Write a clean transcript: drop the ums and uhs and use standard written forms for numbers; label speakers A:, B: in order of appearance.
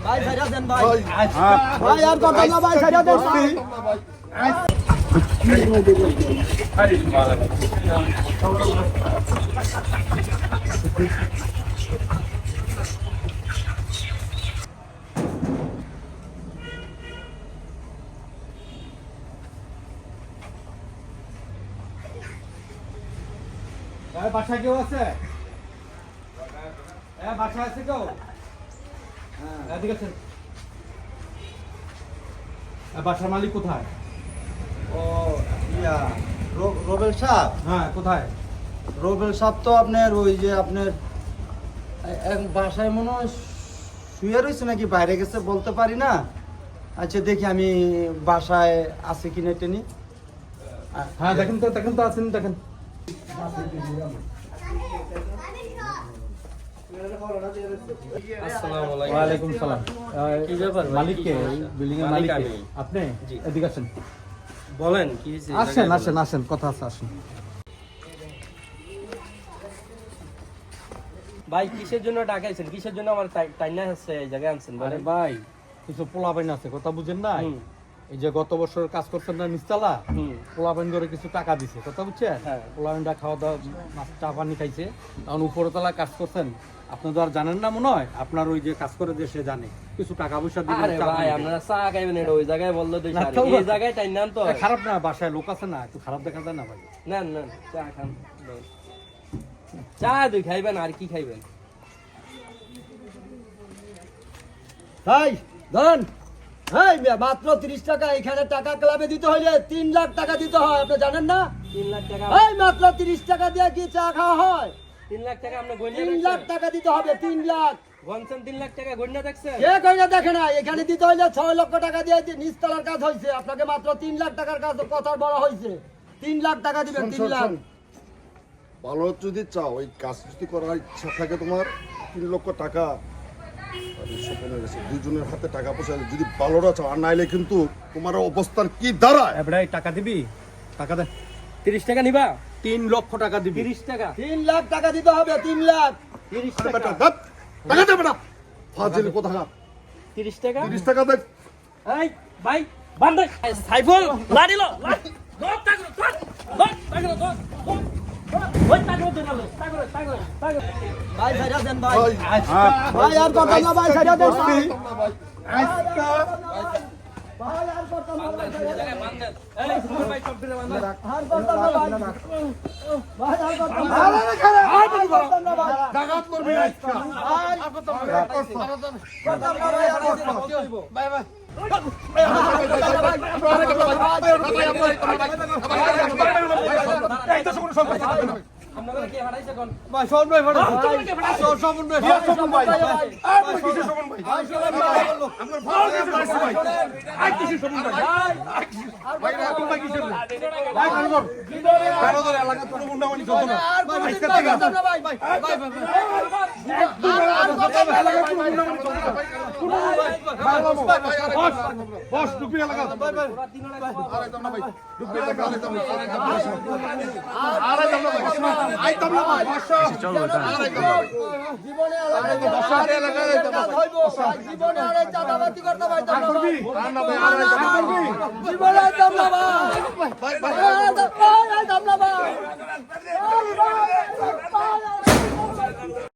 A: ভাই ছাইরা দেন ভাই। ভাই আর কথা না ভাই ছাইরা দেন ভাই।
B: বাসায় কেউ আছে? বাসায় আছে কেউ? এদিকে আছেন। বাসার মালিক কোথায়?
A: ও ইয়া রোবেল সাহেব।
B: হ্যাঁ, কোথায়?
A: রোবেল সাহেব তো আপনার ওই যে আপনার এক বাসায় মনে হয় শুয়ে রয়েছে নাকি বাইরে গেছে বলতে পারি না। আচ্ছা দেখি আমি বাসায় আছে কিনা টেনি।
B: হ্যাঁ, দেখেন তো আছেন, দেখেন। ওয়ালাইকুম সালাম।
C: কি ব্যাপার?
B: মালিক কে? বিল্ডিং এর মালিক
C: আমি।
B: আপনি?
C: জি।
B: এদিকে আসেন।
C: বলেন কি হয়েছে?
B: আসেন, কথা আছে, আসেন।
C: ভাই কিসের জন্য ডাকাইছেন? কিসের জন্য আমার টাইনা হচ্ছে এই জায়গায় আনছেন
B: আরে
C: বলেন?
B: ভাই, কিছু পোলাপাইন আছে, কথা বুঝেন না?
C: হুম।
B: এই যে গত বছর কাজ করছেন না নিচতলা,
C: হুম।
B: পোলাপাইন করে কিছু টাকা দিছে, কথা বুঝছেন?
C: হ্যাঁ।
B: পোলাপাইনটা খাওয়া দাওয়া মাছ চা পানি খাইছে, তখন উপরতলা কাজ করছেন। আপনি তো আর জানেন না মনে হয়, আপনার ওই যে কাজ করে যে সে জানে কিছু টাকা পয়সা দিবেন,
C: আরে
B: চা
C: ভাই
B: পানি
C: আপনারা চা খাইবেন এটা ওই জায়গায় বললো তো
B: না,
C: সারি।
B: তো
C: এই জায়গায় টাইনা আনতো
B: খাইবে। খারাপ না, বাসায় লোক আছে না, একটু খারাপ দেখা যায় না ভাই।
C: না চা খান। চা দুই খাইবেন আর কি খাইবেন?
A: ভাই ধন এই মাত্র 30 টাকা এখানে টাকা ক্লাবে দিতে হইলে 3 লাখ টাকা দিতে হয়, আপনি জানেন না?
C: 3 লাখ টাকা।
A: এই মাত্র 30 টাকা দিয়ে কি চা খাওয়া হয়?
C: 3 লাখ টাকা আপনি গন্যা
A: 3 লাখ টাকা দিতে হবে, 3 লাখ।
C: গনছেন 3 লাখ টাকা গন্যা দেখছেন?
A: কে কইনা দেখে না, এখানে দিতে হইলে 6 লক্ষ টাকা দিয়ে নিচতলার কাজ হইছে, আপনাকে মাত্র 3 লাখ টাকার কাজ কথা বলা হইছে। 3 লাখ টাকা দিবেন, 3 লাখ।
D: ভালো যদি চাও ওই কাজ যদি করার ইচ্ছা থাকে তোমার 3 লক্ষ টাকা দুজনের হাতে টাকা পয়সা যদি ভালোটা চাও, আর নাইলে কিন্তু তোমার অবস্থান কি দাঁড়ায়।
B: এবারে টাকা দিবি, টাকা দে।
C: 30 টাকা নিবা?
B: 3 লক্ষ টাকা দিবি।
C: 30 টাকা?
A: 3 লাখ টাকা দিতে হবে, 3 লাখ।
C: 30
D: আরে
C: টাকা?
D: বেটা দেখ, টাকা দে বেটা, ফাজিল কোথাকার।
C: 30 টাকা?
D: 30 টাকা দেখ।
C: এই ভাই বান্দর সাইফুল লাড়িলো দোক তাগলো ওই তাগলো দিনালো তাগলো
A: ভাই ছাইরা দেন ভাই।
D: ভাই,
A: ভাই আর কথা না ভাই ছাইরা দেন ভাই।
D: আজকে
A: ভাই আর কথা না ভাই ছাইরা দেন।
C: বান্দর এই সুমন ভাই কম্পিউটার বান্দর
A: আর কথা না ভাই। ভাই আর কথা না। আর কথা না ভাই।
D: ডাকাত করবি আজকে।
A: আর কথা না ভাই, আর কথা না। ভাই ভাই।
C: আপনারা কি হারাইছে কোন
B: ভাই শোন ভাই,
C: তোমরা কি হারাইছে?
B: শোন ভাই,
D: বস ঢুকবি এলাকা।
A: জীবনে জীবনে আর চাঁদাবাজি করতে ভাই জীবনে দমলা ভাই